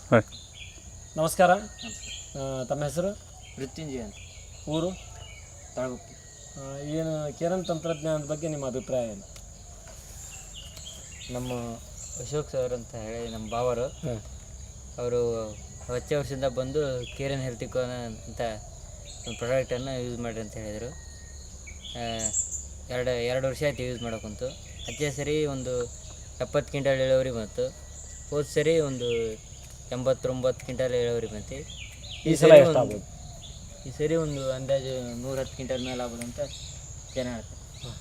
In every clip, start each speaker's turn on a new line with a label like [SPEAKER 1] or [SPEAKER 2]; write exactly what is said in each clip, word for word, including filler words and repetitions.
[SPEAKER 1] ನಮಸ್ಕಾರ. ತಮ್ಮ ಹೆಸರು?
[SPEAKER 2] ಮೃತ್ಯುಂಜಯ ಅಂತ.
[SPEAKER 1] ಊರು?
[SPEAKER 2] ತಾಳಗುಪ್ಪಿ.
[SPEAKER 1] ಏನು ಕೇರನ್ ತಂತ್ರಜ್ಞಾನದ ಬಗ್ಗೆ ನಿಮ್ಮ ಅಭಿಪ್ರಾಯ ಏನು?
[SPEAKER 2] ನಮ್ಮ ಅಶೋಕ್ ಸರ್ ಅಂತ ಹೇಳಿ ನಮ್ಮ ಬಾವರು ಅವರು ಹಚ್ಚೆ ವರ್ಷದಿಂದ ಬಂದು ಕೇರನ್ ಹೆಲ್ತಿಕೋನ್ ಅಂತ ಒಂದು ಪ್ರಾಡಕ್ಟನ್ನು ಯೂಸ್ ಮಾಡಿರಿ ಅಂತ ಹೇಳಿದರು. ಎರಡು ಎರಡು ವರ್ಷ ಆಯ್ತು ಯೂಸ್ ಮಾಡೋಕ್ಕಂತೂ. ಹಚ್ಚೆ ಸರಿ ಒಂದು ಎಪ್ಪತ್ತು ಕ್ವಿಂಟಲ್ ಇಳುವರಿ ಬಂತು. ಹೋದ ಸರಿ ಒಂದು ಎಂಬತ್ತೊಂಬತ್ತು ಕ್ವಿಂಟಲ್ ಇಳುವರಿ ಬಂತು.
[SPEAKER 1] ಈ ಸಲ ಎಷ್ಟಾಗ್ಬೋದು?
[SPEAKER 2] ಈ ಸರಿ ಒಂದು ಅಂದಾಜು ನೂರ ಹತ್ತು ಕ್ವಿಂಟಲ್ ಮೇಲೆ ಆಗ್ಬೋದು ಅಂತ ಜನ ಹೇಳ್ತಾರೆ.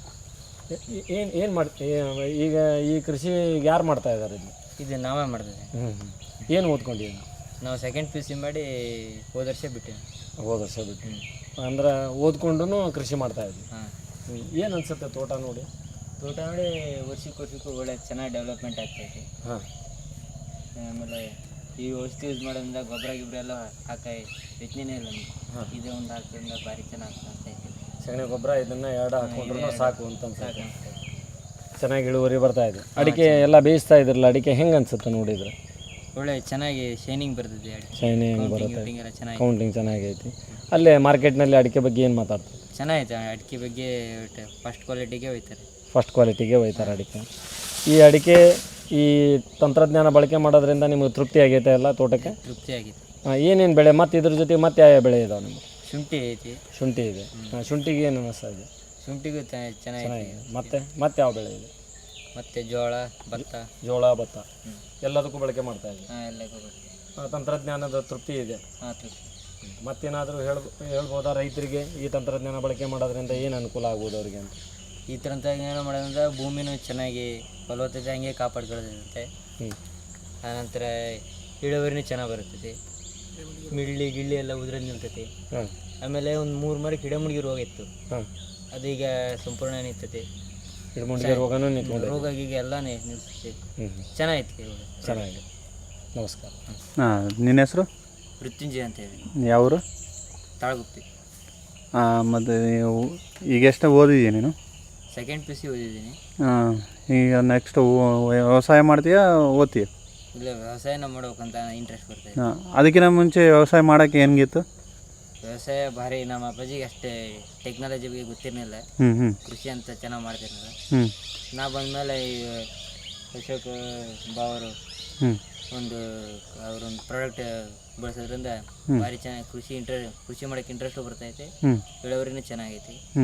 [SPEAKER 1] ಏನು ಏನು ಮಾಡ್ತೀವಿ ಈಗ ಈ ಕೃಷಿ ಯಾರು ಮಾಡ್ತಾ ಇದ್ದಾರೆ? ಇಲ್ಲಿ
[SPEAKER 2] ಇದು ನಾವೇ ಮಾಡ್ತಿದ್ದೆ.
[SPEAKER 1] ಹ್ಞೂ ಹ್ಞೂ ಏನು ಓದ್ಕೊಂಡಿದ್ದೀವಿ ನಾವು?
[SPEAKER 2] ನಾವು ಸೆಕೆಂಡ್ ಪಿ ಯು ಸಿ ಮಾಡಿ ಹೋದ ವರ್ಷ ಬಿಟ್ಟು
[SPEAKER 1] ಹೋದ ವರ್ಷ ಬಿಟ್ಟು ಅಂದ್ರೆ ಓದ್ಕೊಂಡು ಕೃಷಿ ಮಾಡ್ತಾಯಿದ್ವಿ.
[SPEAKER 2] ಹಾಂ.
[SPEAKER 1] ಏನು ಅನಿಸುತ್ತೆ ತೋಟ ನೋಡಿ?
[SPEAKER 2] ತೋಟ ನೋಡಿ ವರ್ಷಕ್ಕೆ ವರ್ಷಕ್ಕೂ ಒಳ್ಳೆ ಚೆನ್ನಾಗಿ ಡೆವಲಪ್ಮೆಂಟ್ ಆಗ್ತೈತಿ.
[SPEAKER 1] ಹಾಂ.
[SPEAKER 2] ಆಮೇಲೆ ಈ ಔಷಧಿ ಯೂಸ್ ಮಾಡೋದ್ರಿಂದ ಗೊಬ್ಬರ ಗಿಬ್ಬರ ಎಲ್ಲ ಹಾಕಿ ಯೋಚನೆ ಇಲ್ಲ ನಮ್ಗೆ.
[SPEAKER 1] ಹಾಂ.
[SPEAKER 2] ಇದೇ ಒಂದು ಹಾಕೋದ್ರಿಂದ ಭಾರಿ ಚೆನ್ನಾಗಿ ಆಗ್ತೈತಿ.
[SPEAKER 1] ಸಗಣಿ ಗೊಬ್ಬರ ಇದನ್ನು ಎರಡು ಹಾಕೊಂಡ್ರು ಸಾಕು ಅಂತ
[SPEAKER 2] ಸಾಕು
[SPEAKER 1] ಅನ್ಸುತ್ತೆ.
[SPEAKER 2] ಅನಿಸ್ತೈತಿ.
[SPEAKER 1] ಚೆನ್ನಾಗಿ ಇಳುವರಿ ಬರ್ತಾ ಇದೆ. ಅಡಿಕೆ ಎಲ್ಲ ಬೇಯಿಸ್ತಾ ಇದ್ರಲ್ಲ, ಅಡಿಕೆ ಹೆಂಗೆ ಅನ್ಸುತ್ತೆ ನೋಡಿದ್ರೆ?
[SPEAKER 2] ಒಳ್ಳೆ ಚೆನ್ನಾಗಿ ಶೈನಿಂಗ್ ಬರ್ತದೆ. ಅಡಿಕೆ
[SPEAKER 1] ಶೈನಿಂಗ್ ಬರುತ್ತೆ,
[SPEAKER 2] ಕೌಂಟಿಂಗ್ ಎಲ್ಲ ಚೆನ್ನಾಗಿ
[SPEAKER 1] ಕೌಂಟಿಂಗ್ ಚೆನ್ನಾಗೈತಿ. ಅಲ್ಲೇ ಮಾರ್ಕೆಟ್ನಲ್ಲಿ ಅಡಿಕೆ ಬಗ್ಗೆ ಏನು ಮಾತಾಡ್ತಾರೆ?
[SPEAKER 2] ಚೆನ್ನಾಗೈತೆ ಅಡಿಕೆ ಬಗ್ಗೆ. ಫಸ್ಟ್ ಕ್ವಾಲಿಟಿಗೆ ಹೋಯ್ತಾರೆ.
[SPEAKER 1] ಫಸ್ಟ್ ಕ್ವಾಲಿಟಿಗೆ ಒಯ್ತಾರೆ ಅಡಿಕೆ. ಈ ಅಡಿಕೆ ಈ ತಂತ್ರಜ್ಞಾನ ಬಳಕೆ ಮಾಡೋದ್ರಿಂದ ನಿಮಗೆ ತೃಪ್ತಿ ಆಗೈತೆ ಎಲ್ಲ ತೋಟಕ್ಕೆ?
[SPEAKER 2] ತೃಪ್ತಿ ಆಗಿದೆ.
[SPEAKER 1] ಏನೇನು ಬೆಳೆ ಮತ್ತು ಇದ್ರ ಜೊತೆ ಮತ್ತೆ ಯಾವ ಬೆಳೆ ಇದಾವೆ ನಿಮಗೆ?
[SPEAKER 2] ಶುಂಠಿ ಐತಿ.
[SPEAKER 1] ಶುಂಠಿ ಇದೆ. ಹಾಂ, ಶುಂಠಿಗೆ ಏನು ಅನ್ನಿಸ್ತಾ ಇದೆ?
[SPEAKER 2] ಶುಂಠಿಗೂ ಚೆನ್ನಾಗಿದೆ.
[SPEAKER 1] ಚೆನ್ನಾಗಿದೆ. ಮತ್ತೆ ಮತ್ತೆ ಯಾವ ಬೆಳೆ ಇದೆ?
[SPEAKER 2] ಮತ್ತು ಜೋಳ, ಭತ್ತ.
[SPEAKER 1] ಜೋಳ, ಭತ್ತ ಎಲ್ಲದಕ್ಕೂ ಬಳಕೆ ಮಾಡ್ತಾ ಇದೆ.
[SPEAKER 2] ಹಾಂ, ಎಲ್ಲ ಗೊಬ್ಬರ.
[SPEAKER 1] ತಂತ್ರಜ್ಞಾನದ ತೃಪ್ತಿ ಇದೆ.
[SPEAKER 2] ಹಾಂ, ತೃಪ್ತಿ.
[SPEAKER 1] ಮತ್ತೇನಾದರೂ ಹೇಳ್ ಹೇಳ್ಬೋದಾ ರೈತರಿಗೆ ಈ ತಂತ್ರಜ್ಞಾನ ಬಳಕೆ ಮಾಡೋದ್ರಿಂದ ಏನು ಅನುಕೂಲ ಆಗ್ಬೋದು ಅವರಿಗೆ ಅಂತ?
[SPEAKER 2] ಈ ತಂತ್ರಜ್ಞಾನ ಮಾಡೋದ್ರಿಂದ ಭೂಮಿನೂ ಚೆನ್ನಾಗಿ ಫಲವತ್ತತೆ ಹಂಗೆ ಕಾಪಾಡ್ಕೊಳ್ಳೋದಿರುತ್ತೆ.
[SPEAKER 1] ಹ್ಞೂ.
[SPEAKER 2] ಆನಂತರ ಇಳುವರಿನೂ ಚೆನ್ನಾಗಿ ಬರ್ತೈತಿ. ಮಿಳ್ಳಿ ಗಿಳ್ಳಿ ಎಲ್ಲ ಉದ್ರಲ್ಲಿ ನಿಲ್ತೈತಿ.
[SPEAKER 1] ಹಾಂ.
[SPEAKER 2] ಆಮೇಲೆ ಒಂದು ಮೂರು ಮರಕ್ಕೆ ಗಿಡಮುಡಿಗೆ ರೋಗ ಇತ್ತು.
[SPEAKER 1] ಹಾಂ.
[SPEAKER 2] ಅದೀಗ ಸಂಪೂರ್ಣ ನಿಲ್ತೈತಿ.
[SPEAKER 1] ಗಿಡಮೂಲಿಕೆ ರೋಗನೂ ನಿಂತ್ಕೊಂಡು
[SPEAKER 2] ರೋಗ ಗೀಗ ಎಲ್ಲ ನಿಲ್ತೈತಿ.
[SPEAKER 1] ಹ್ಞೂ.
[SPEAKER 2] ಚೆನ್ನಾಗೈತಿ.
[SPEAKER 1] ಚೆನ್ನಾಗಿದೆ. ನಮಸ್ಕಾರ.
[SPEAKER 3] ಹಾಂ, ನಿನ್ನ ಹೆಸರು?
[SPEAKER 2] ಮೃತ್ಯುಂಜಯ ಅಂತ ಹೇಳಿ.
[SPEAKER 3] ಯಾವರು?
[SPEAKER 2] ತಾಳಗುಪ್ಪಿ.
[SPEAKER 3] ಹಾಂ. ಮತ್ತು ಈಗ ಎಷ್ಟು ಓದಿದ್ದೀಯ ನೀನು?
[SPEAKER 2] ಸೆಕೆಂಡ್ ಪಿ ಯು ಸಿ ಓದಿದ್ದೀನಿ.
[SPEAKER 3] ಹಾಂ. ಈಗ ನೆಕ್ಸ್ಟ್ ವ್ಯವಸಾಯ ಮಾಡ್ತೀಯಾ ಓದ್ತೀಯ?
[SPEAKER 2] ಇಲ್ಲ, ವ್ಯವಸಾಯನ ಮಾಡ್ಬೇಕಂತ ಇಂಟ್ರೆಸ್ಟ್ ಬರ್ತೈತೆ.
[SPEAKER 3] ಹಾಂ. ಅದಕ್ಕಿಂತ ಮುಂಚೆ ವ್ಯವಸಾಯ ಮಾಡೋಕ್ಕೆ ಹೆಂಗಿತ್ತು?
[SPEAKER 2] ವ್ಯವಸಾಯ ಭಾರಿ ನಮ್ಮ ಅಪ್ಪಾಜಿಗೆ ಅಷ್ಟೇ ಟೆಕ್ನಾಲಜಿ ಬಗ್ಗೆ ಗೊತ್ತಿರಲಿಲ್ಲ.
[SPEAKER 3] ಹ್ಞೂ ಹ್ಞೂ
[SPEAKER 2] ಕೃಷಿ ಅಂತ ಚೆನ್ನಾಗಿ ಮಾಡ್ತಿರಲಿಲ್ಲ.
[SPEAKER 3] ಹ್ಞೂ
[SPEAKER 2] ನಾ ಬಂದಮೇಲೆ ಈ ಅಶೋಕ್ ಬಾವರು
[SPEAKER 3] ಹ್ಞೂ
[SPEAKER 2] ಒಂದು ಅವರೊಂದು ಪ್ರಾಡಕ್ಟ್ ಬಳಸೋದ್ರಿಂದ ಭಾರಿ ಚೆನ್ನಾಗಿ ಕೃಷಿ ಇಂಟ್ರೆ ಕೃಷಿ ಮಾಡೋಕ್ಕೆ ಇಂಟ್ರೆಸ್ಟು ಬರ್ತೈತೆ.
[SPEAKER 3] ಹ್ಞೂ
[SPEAKER 2] ಇಳುವರಿನೂ ಚೆನ್ನಾಗೈತಿ.
[SPEAKER 3] ಹ್ಞೂ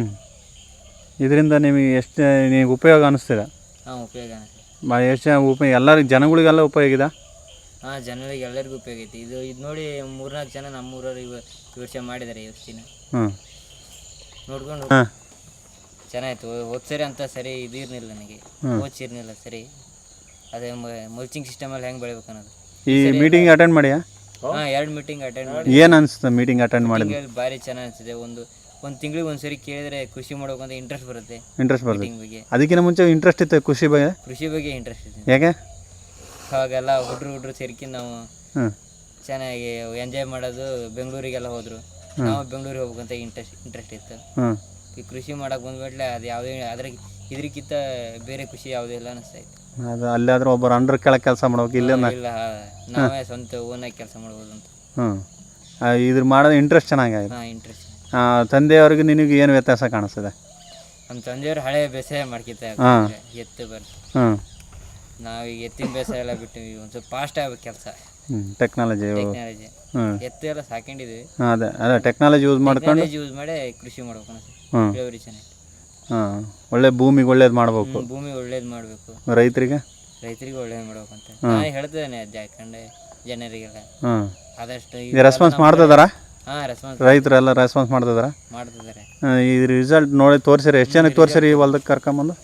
[SPEAKER 3] ಇದರಿಂದ ನಿಮಗೆ ಎಷ್ಟು ನಿಮಗೆ ಉಪಯೋಗ ಅನ್ನಿಸ್ತಿದೆ?
[SPEAKER 2] ಹಾಂ, ಉಪಯೋಗ ಅನಿಸ್ತದೆ.
[SPEAKER 3] ಭಾಳ ಎಷ್ಟು ಜನ ಉಪಯೋಗ ಎಲ್ಲರಿಗೆ ಜನಗಳಿಗೆಲ್ಲ ಉಪಯೋಗ ಇದೆ?
[SPEAKER 2] ಹಾಂ, ಜನರಿಗೆ ಎಲ್ಲರಿಗೂ ಉಪಯೋಗ ಐತಿ. ಇದು ಇದು ನೋಡಿ ಮೂರ್ನಾಲ್ಕು ಜನ ನಮ್ಮೂರವ್ರು ಇವ ಈ ವರ್ಷ ಮಾಡಿದ್ದಾರೆ ಈ ವರ್ಷಿನ.
[SPEAKER 3] ಹ್ಞೂ
[SPEAKER 2] ನೋಡ್ಕೊಂಡು
[SPEAKER 3] ಹಾಂ.
[SPEAKER 2] ಚೆನ್ನಾಗಿತ್ತು. ಹೋದ್ ಸರಿ ಅಂತ ಸರಿ ಇದು ಇರಲಿಲ್ಲ ನನಗೆ. ಓದಿಸಿರ್ಲಿಲ್ಲ ಸರಿ. ಅದೇ ಮಲ್ಚಿಂಗ್ ಸಿಸ್ಟಮಲ್ಲಿ ಹೆಂಗೆ ಬೆಳಿಬೇಕು ಅನ್ನೋದು.
[SPEAKER 3] ಈ ಮೀಟಿಂಗ್ ಅಟೆಂಡ್ ಮಾಡಿಯಾ?
[SPEAKER 2] ಹಾಂ, ಎರಡು ಮೀಟಿಂಗ್ ಅಟೆಂಡ್ ಮಾಡಿ.
[SPEAKER 3] ಏನು ಅನಿಸ್ತು ಮೀಟಿಂಗ್ ಅಟೆಂಡ್ ಮಾಡಿದ್ವಿ?
[SPEAKER 2] ಭಾರಿ ಚೆನ್ನಾಗಿ ಅನಿಸಿದೆ. ಒಂದು ಒಂದು ತಿಂಗಳಿಗೆ ಒಂದು ಸರಿ ಕೇಳಿದ್ರೆ ಕೃಷಿ ಮಾಡ್ಬೇಕಂತ ಇಂಟ್ರೆಸ್ಟ್ ಬರುತ್ತೆ.
[SPEAKER 3] ಇಂಟ್ರೆಸ್ಟ್ ಬರ್ತದೆ.
[SPEAKER 2] ಮೀಟಿಂಗ್ ಬಗ್ಗೆ
[SPEAKER 3] ಅದಕ್ಕಿಂತ ಮುಂಚೆ ಇಂಟ್ರೆಸ್ಟ್ ಇತ್ತು ಕೃಷಿ ಬಗ್ಗೆ?
[SPEAKER 2] ಕೃಷಿ ಬಗ್ಗೆ ಇಂಟ್ರೆಸ್ಟ್ ಇದೆ.
[SPEAKER 3] ಯಾಕೆ?
[SPEAKER 2] ಅವಾಗೆಲ್ಲ ಹುಡ್ರು ಹುಡ್ರು ಸೇರ್ಕೊಂಡು ನಾವು
[SPEAKER 3] ಹ್ಞೂ
[SPEAKER 2] ಚೆನ್ನಾಗಿ ಎಂಜಾಯ್ ಮಾಡೋದು. ಬೆಂಗಳೂರಿಗೆಲ್ಲ ಹೋದರು. ನಾವು ಬೆಂಗಳೂರಿಗೆ ಹೋಗ್ಬೇಕಂತ ಇಂಟ್ರೆಸ್ಟ್ ಇಂಟ್ರೆಸ್ಟ್ ಇತ್ತು.
[SPEAKER 3] ಹ್ಞೂ
[SPEAKER 2] ಈ ಕೃಷಿ ಮಾಡಕ್ಕೆ ಬಂದ್ಬಿಟ್ಲೆ ಅದು ಯಾವುದೇ ಅದ್ರ ಇದ್ರಕ್ಕಿಂತ ಬೇರೆ ಖುಷಿ ಯಾವುದೂ ಇಲ್ಲ ಅನಿಸ್ತಾಯಿತ್ತು.
[SPEAKER 3] ಅದು ಅಲ್ಲಾದರೂ ಒಬ್ಬರು ಅಂಡ್ರ್ ಕೆಳಗೆ ಕೆಲಸ ಮಾಡ್ಬೇಕು. ಇಲ್ಲ
[SPEAKER 2] ಇಲ್ಲ, ನಾವೇ ಸ್ವಂತ ಓನಾಗಿ ಕೆಲಸ ಮಾಡ್ಬೋದು ಅಂತ.
[SPEAKER 3] ಹ್ಞೂ ಇದ್ರ ಮಾಡೋದು ಇಂಟ್ರೆಸ್ಟ್ ಚೆನ್ನಾಗಾಗಿದೆ.
[SPEAKER 2] ಹಾಂ, ಇಂಟ್ರೆಸ್ಟ್.
[SPEAKER 3] ತಂದೆಯವ್ರಿಗೆ ನಿನಗೆ ಏನು ವ್ಯತ್ಯಾಸ ಕಾಣಿಸ್ತದೆ?
[SPEAKER 2] ನಮ್ಮ ತಂದೆಯವರು ಹಳೆ ಬೇಸಾಯ ಮಾಡ್ಕಿತ್ತ ಎತ್ತು ಬರ್ತು.
[SPEAKER 3] ಹ್ಞೂ
[SPEAKER 2] ನಾವೀಗ ಎತ್ತಿನ ಬೇಸಾಯ ಎಲ್ಲ ಬಿಟ್ಟು ಒಂದು ಸ್ವಲ್ಪ ಫಾಸ್ಟ್ ಆಗ್ಬೇಕು ಕೆಲಸ.
[SPEAKER 3] ಹ್ಞೂ ಟೆಕ್ನಾಲಜಿ
[SPEAKER 2] ಟೆಕ್ನಾಲಜಿ.
[SPEAKER 3] ಹ್ಞೂ
[SPEAKER 2] ಎತ್ತು ಎಲ್ಲ ಸಾಕೊಂಡಿದ್ದೀವಿ.
[SPEAKER 3] ಹಾಂ ಅದೇ ಅದೇ ಟೆಕ್ನಾಲಜಿ ಯೂಸ್ ಮಾಡ್ಕೊಂಡು
[SPEAKER 2] ಯೂಸ್ ಮಾಡಿ ಕೃಷಿ ಮಾಡ್ಬೇಕು ಅನಿಸ್ತದೆ.
[SPEAKER 3] ಹ್ಞೂ
[SPEAKER 2] ಇಳುವರಿ ಚೆನ್ನಾಗಿ.
[SPEAKER 3] ಹಾಂ ಒಳ್ಳೆ ಭೂಮಿಗೆ ಒಳ್ಳೇದು ಮಾಡ್ಬೇಕು.
[SPEAKER 2] ಭೂಮಿ ಒಳ್ಳೇದು ಮಾಡಬೇಕು.
[SPEAKER 3] ರೈತರಿಗೆ
[SPEAKER 2] ರೈತರಿಗೆ ಒಳ್ಳೇದು ಮಾಡ್ಬೇಕಂತ ನಾನು ಹೇಳ್ತಿದ್ದೇನೆ. ಅದು ಯಾಕಂದ್ರೆ ಜನರಿಗೆಲ್ಲ
[SPEAKER 3] ಹ್ಞೂ
[SPEAKER 2] ಆದಷ್ಟು
[SPEAKER 3] ರೆಸ್ಪಾನ್ಸ್ ಮಾಡ್ತಿದಾರ?
[SPEAKER 1] ಹಾಂ ರೆಸ್ಪಾನ್ಸ್
[SPEAKER 3] ರೈತರೆಲ್ಲ ರೆಸ್ಪಾನ್ಸ್ ಮಾಡ್ತಿದಾರ
[SPEAKER 1] ಮಾಡ್ತಿದ್ದಾರೆ.
[SPEAKER 3] ಈ ರಿಸಲ್ಟ್ ನೋಡಿ ತೋರಿಸಿರಿ ಎಷ್ಟು ಜನಕ್ಕೆ ತೋರಿಸಿರಿ ಈ ಹೊಲ್ದಕ್ಕೆ ಕರ್ಕೊಂಬಂದು?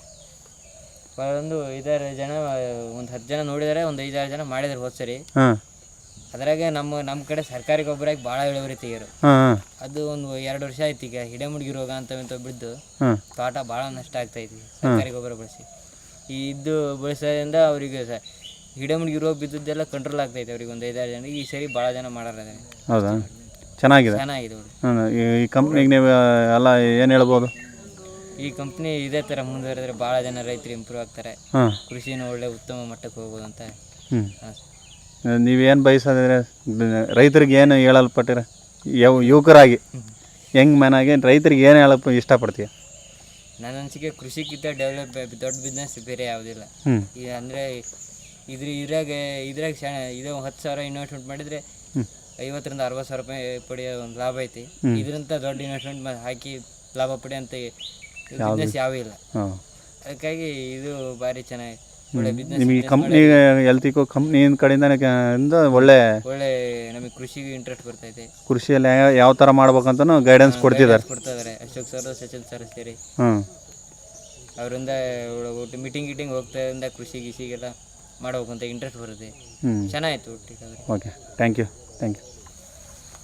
[SPEAKER 1] ಒಂದು ಐದಾರು ಜನ ಒಂದು ಹತ್ತು ಜನ ನೋಡಿದ್ದಾರೆ, ಒಂದು ಐದಾರು ಜನ ಮಾಡಿದ್ರು ಹೋದ ಸರಿ.
[SPEAKER 3] ಹಾಂ
[SPEAKER 1] ಅದ್ರಾಗೆ ನಮ್ಮ ನಮ್ಮ ಕಡೆ ಸರ್ಕಾರಿ ಗೊಬ್ಬರಾಗಿ ಭಾಳ ಇಳುವರಿ ತೆಗೀರು.
[SPEAKER 3] ಹಾಂ
[SPEAKER 1] ಅದು ಒಂದು ಎರಡು ವರ್ಷ ಆಯ್ತು ಈಗ ಹಿಡಮುಡ್ಗಿ ರೋಗ ಅಂತ ಇಂಥ ಬಿದ್ದು
[SPEAKER 3] ಹಾಂ
[SPEAKER 1] ತೋಟ ಭಾಳ ನಷ್ಟ ಆಗ್ತೈತಿ ಸರ್ಕಾರಿ ಗೊಬ್ಬರ ಬಳಸಿ. ಈ ಇದ್ದು ಬಳಸೋದ್ರಿಂದ ಅವರಿಗೆ ಸ ಹಿಡಮುಡ್ಗಿ ರೋಗ ಬಿದ್ದದ್ದೆಲ್ಲ ಕಂಟ್ರೋಲ್ ಆಗ್ತೈತೆ ಅವ್ರಿಗೆ ಒಂದು ಐದಾರು ಜನರಿಗೆ. ಈ ಸರಿ ಭಾಳ ಜನ ಮಾಡಾರ.
[SPEAKER 3] ಹೌದಾ? ಚೆನ್ನಾಗಿದೆ
[SPEAKER 1] ಚೆನ್ನಾಗಿದೆ.
[SPEAKER 3] ಹಾಂ ಈ ಕಂಪ್ನಿಗೆ ನೀವು ಎಲ್ಲ ಏನು ಹೇಳ್ಬೋದು?
[SPEAKER 1] ಈ ಕಂಪ್ನಿ ಇದೇ ಥರ ಮುಂದುವರೆದ್ರೆ ಭಾಳ ಜನ ರೈತರು ಇಂಪ್ರೂವ್ ಆಗ್ತಾರೆ,
[SPEAKER 3] ಹಾಂ
[SPEAKER 1] ಕೃಷಿನೂ ಒಳ್ಳೆ ಉತ್ತಮ ಮಟ್ಟಕ್ಕೆ ಹೋಗ್ಬೋದು ಅಂತ.
[SPEAKER 3] ಹ್ಞೂ
[SPEAKER 1] ಹಾಂ.
[SPEAKER 3] ನೀವೇನು ಬಯಸೋದ್ರೆ ರೈತರಿಗೆ ಏನು ಹೇಳಲ್ಪಟ್ಟಿರ ಯಾವ ಯುವಕರಾಗಿ ಯಂಗ್ ಮ್ಯಾನ್ ಆಗಿ ರೈತರಿಗೆ ಏನು ಹೇಳಪ್ಪ ಇಷ್ಟಪಡ್ತೀಯ?
[SPEAKER 1] ನನ್ನ ಅನಿಸಿಕೆ ಕೃಷಿಗಿಂತ ಡೆವಲಪ್ ದೊಡ್ಡ ಬಿಸ್ನೆಸ್ ಬೇರೆ ಯಾವುದಿಲ್ಲ.
[SPEAKER 3] ಹ್ಞೂ
[SPEAKER 1] ಈಗ ಅಂದರೆ ಇದ್ರ ಇದ್ರಾಗ ಇದ್ರಾಗ ಶಾಣ ಇದು ಹತ್ತು ಸಾವಿರ ಇನ್ವೆಸ್ಟ್ಮೆಂಟ್ ಮಾಡಿದರೆ ಐವತ್ತರಿಂದ ಅರವತ್ತು ಸಾವಿರ ರೂಪಾಯಿ ಪಡೆಯೋ ಒಂದು ಲಾಭ ಐತಿ. ಇದರಿಂದ ದೊಡ್ಡ ಇನ್ವೆಸ್ಟ್ಮೆಂಟ್ ಹಾಕಿ ಲಾಭ ಪಡೆಯೋಂಥ ಬಿಸ್ನೆಸ್ ಯಾವೂ ಇಲ್ಲ.
[SPEAKER 3] ಹಾಂ
[SPEAKER 1] ಅದಕ್ಕಾಗಿ ಇದು ಭಾರಿ ಚೆನ್ನಾಗಿ ಒಳ್ಳೆ ಬಿಸ್ನೆಸ್.
[SPEAKER 3] ನಿಮಗೆ ಕಂಪ್ನಿ ಎಲ್ತಿಕೋ ಕಂಪ್ನಿ ಕಡೆಯಿಂದ ಇಂದ ಒಳ್ಳೆ
[SPEAKER 1] ಒಳ್ಳೆ ನಮಗೆ ಕೃಷಿಗೆ ಇಂಟ್ರೆಸ್ಟ್ ಬರ್ತೈತೆ.
[SPEAKER 3] ಕೃಷಿಯಲ್ಲಿ ಯಾವ ಯಾವ ಥರ ಮಾಡ್ಬೇಕಂತನೂ ಗೈಡೆನ್ಸ್ ಕೊಡ್ತಿದ್ದಾರೆ
[SPEAKER 1] ಕೊಡ್ತಾ ಇದ್ದಾರೆ ಅಶೋಕ್ ಸರ್ ಸಚಿನ್ ಸರ್ ಸೇರಿ.
[SPEAKER 3] ಹ್ಞೂ
[SPEAKER 1] ಅವರಿಂದ ಒಟ್ಟು ಮೀಟಿಂಗ್ ಗೀಟಿಂಗ್ ಹೋಗ್ತಾಯಿಂದ ಕೃಷಿ ಗಿಷಿಗೆಲ್ಲ ಮಾಡ್ಬೇಕಂತ ಇಂಟ್ರೆಸ್ಟ್ ಬರುತ್ತೆ.
[SPEAKER 3] ಹ್ಞೂ
[SPEAKER 1] ಚೆನ್ನಾಗಿತ್ತು ಒಟ್ಟಿಗೆ.
[SPEAKER 3] Okay thank you thank you